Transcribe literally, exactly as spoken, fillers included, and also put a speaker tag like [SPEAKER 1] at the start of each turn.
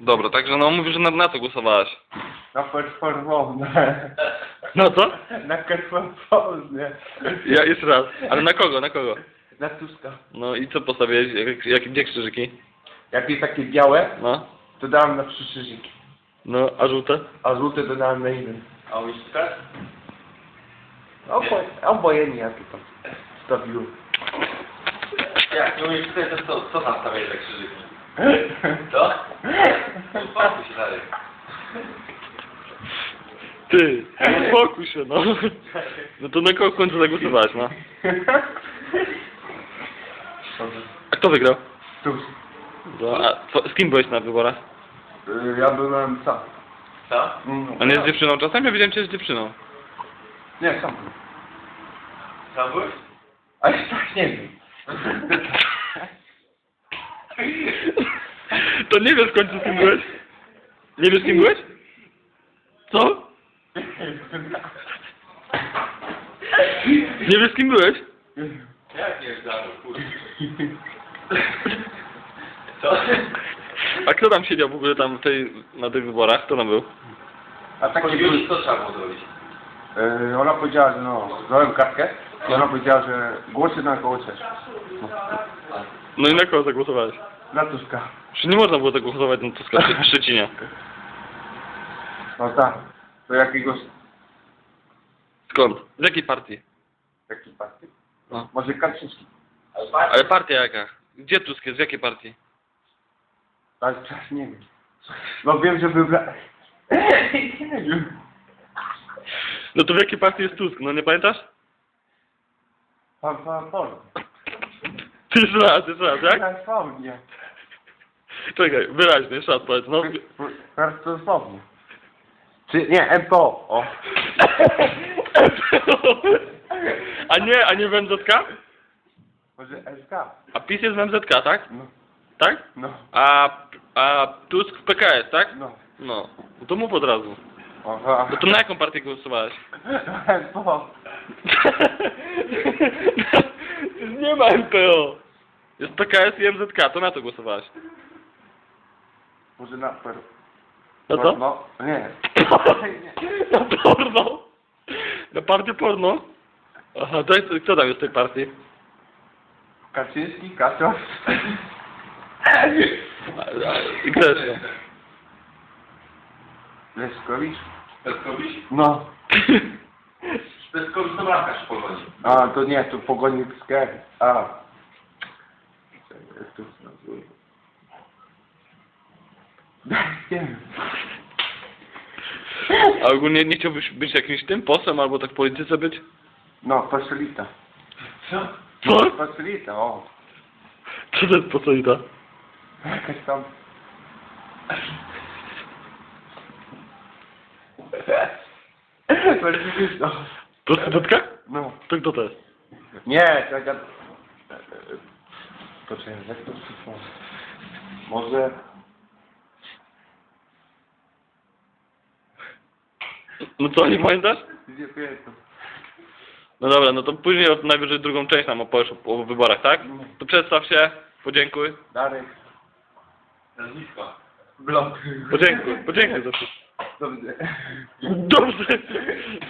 [SPEAKER 1] Dobra, także no mówisz, że na, na co głosowałaś?
[SPEAKER 2] Na performowne.
[SPEAKER 1] No co?
[SPEAKER 2] Na performowne.
[SPEAKER 1] Ja jeszcze raz. Ale na kogo, na kogo?
[SPEAKER 2] Na Tuska.
[SPEAKER 1] No i co postawiłeś? Jak, jak, gdzie krzyżyki?
[SPEAKER 2] Jak jest takie białe,
[SPEAKER 1] No.
[SPEAKER 2] to dałem na trzy krzyżyki.
[SPEAKER 1] No, a żółte?
[SPEAKER 2] A żółte to dałem na jeden.
[SPEAKER 3] A łyżkę?
[SPEAKER 2] Obo, obojętnie jakie tam stawiłem.
[SPEAKER 3] Jak, nie umiesz tutaj, to co, co tam stawiasz za krzyżyki? Co? Uspokój się dalej.
[SPEAKER 1] Ty, uspokój się, no. No to na kogo w końcu zagłosowałaś, no? A kto wygrał?
[SPEAKER 2] Tusk.
[SPEAKER 1] No, a co, z kim byłeś na wyborach?
[SPEAKER 2] Y, Ja byłem sam.
[SPEAKER 3] Co?
[SPEAKER 2] Mm.
[SPEAKER 1] A nie z dziewczyną czasem? Ja wiedziałem cię z dziewczyną.
[SPEAKER 2] Nie, sam byłem.
[SPEAKER 3] Tam byłeś?
[SPEAKER 2] Ale tak nie wiem.
[SPEAKER 1] To nie wiesz w końcu z kim byłeś? Nie wiesz z kim byłeś? Co? Nie wiesz z kim byłeś?
[SPEAKER 3] Jak nie znam, kurde. Co?
[SPEAKER 1] A kto tam siedział w ogóle tam w tej, na tych wyborach? Kto tam był?
[SPEAKER 2] A takie
[SPEAKER 3] Chodziło
[SPEAKER 2] były...
[SPEAKER 3] ci, co trzeba było zrobić?
[SPEAKER 2] Y, Ona powiedziała, że no, dałem kartkę i ona powiedziała, że głosy na koło chcesz. No.
[SPEAKER 1] No i na kogo zagłosowałeś?
[SPEAKER 2] Na Tuska.
[SPEAKER 1] Czy nie można było zagłosować na Tuska w Szczecinie?
[SPEAKER 2] No tak. To jakiegoś...
[SPEAKER 1] Skąd? Z jakiej partii?
[SPEAKER 2] Jaki partii?
[SPEAKER 1] No.
[SPEAKER 2] Może Kaczyński.
[SPEAKER 1] Ale partia jaka? Gdzie Tusk jest? Z jakiej partii?
[SPEAKER 2] Ale czas nie wiem. No wiem, że wybra... Nie wiem.
[SPEAKER 1] No to w jakiej partii jest Tusk? No nie pamiętasz?
[SPEAKER 2] Pan, pan, pan.
[SPEAKER 1] Ty jeszcze raz, jeszcze raz, jak?
[SPEAKER 2] Transformnie.
[SPEAKER 1] Czekaj, wyraźnie, jeszcze raz powiedz, no.
[SPEAKER 2] Transformnie. Czy nie, M P O. O.
[SPEAKER 1] A nie, a nie w M Z K?
[SPEAKER 2] Może S K.
[SPEAKER 1] A PiS jest w M Z K, tak?
[SPEAKER 2] No,
[SPEAKER 1] Tak?
[SPEAKER 2] no,
[SPEAKER 1] A, a Tusk w P K S, tak?
[SPEAKER 2] no.
[SPEAKER 1] No, no to mów od razu.
[SPEAKER 2] Aha.
[SPEAKER 1] No to na jaką partię głosowałeś?
[SPEAKER 2] M P O.
[SPEAKER 1] Nie ma M P O. Jest P K S i M Z K, to na to głosowałeś.
[SPEAKER 2] Może na per...
[SPEAKER 1] Na co?
[SPEAKER 2] No, nie.
[SPEAKER 1] Na porno. Na partię porno? Aha, to jest, kto tam jest w tej partii?
[SPEAKER 2] Kaczyński, Kaczor.
[SPEAKER 1] A- a- I kto jeszcze?
[SPEAKER 2] Leszkowicz.
[SPEAKER 3] Peskowicz?
[SPEAKER 2] No.
[SPEAKER 3] Peskowicz to bramkarz w Pogoni.
[SPEAKER 2] A, to nie, to pogonik z K. A. Czekaj, jak to się nazywa? Nie wiem.
[SPEAKER 1] A ogólnie nie chciałbyś być jakimś tym posłem albo tak w polityce być?
[SPEAKER 2] No, fasolita.
[SPEAKER 3] Co?
[SPEAKER 1] Co?
[SPEAKER 2] Fasolita, o.
[SPEAKER 1] Co to jest posłita?
[SPEAKER 2] Jakaś tam... To nie wiesz, no.
[SPEAKER 1] Prostytutka?
[SPEAKER 2] No.
[SPEAKER 1] To kto to jest?
[SPEAKER 2] Nie, tak jak... Poczekaj, jak to przyszło? Może...
[SPEAKER 1] No co, nie pamiętasz?
[SPEAKER 2] Nie pamiętam.
[SPEAKER 1] No dobra, no to później najwyżej drugą część nam opowiesz o, o wyborach, tak? To przedstaw się, podziękuj.
[SPEAKER 2] Darek.
[SPEAKER 3] Nazwisko.
[SPEAKER 2] Blok.
[SPEAKER 1] Podziękuj, podziękuj za wszystko.
[SPEAKER 2] Dobrze.
[SPEAKER 1] Dobrze.